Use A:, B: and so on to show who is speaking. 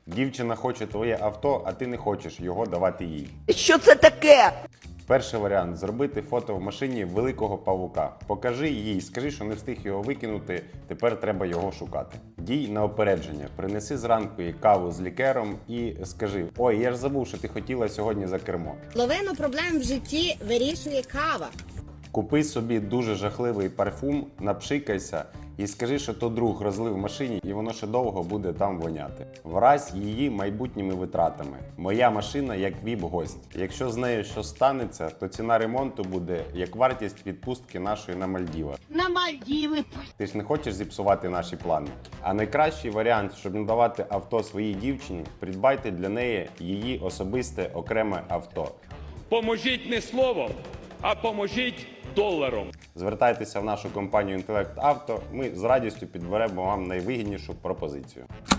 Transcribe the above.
A: Дівчина хоче твоє авто, а ти не хочеш його давати їй.
B: Що це таке?
A: Перший варіант – зробити фото в машині великого павука. Покажи їй, скажи, що не встиг його викинути, тепер треба його шукати. Дій на опередження. Принеси зранку їй каву з лікером і скажи: «Ой, я ж забув, що ти хотіла сьогодні за кермо».
C: Половину проблем в житті вирішує кава.
A: Купи собі дуже жахливий парфум, напшикайся і скажи, що то друг розлив в машині і воно ще довго буде там воняти. Вразь її майбутніми витратами. Моя машина як віп-гость. Якщо з нею щось станеться, то ціна ремонту буде як вартість відпустки нашої на Мальдіва.
C: На Мальдіви.
A: Ти ж не хочеш зіпсувати наші плани. А найкращий варіант, щоб не давати авто своїй дівчині, придбайте для неї її особисте окреме авто.
D: Поможіть не словом, а поможіть доларом.
A: Звертайтеся в нашу компанію «Інтелект Авто», ми з радістю підберемо вам найвигіднішу пропозицію.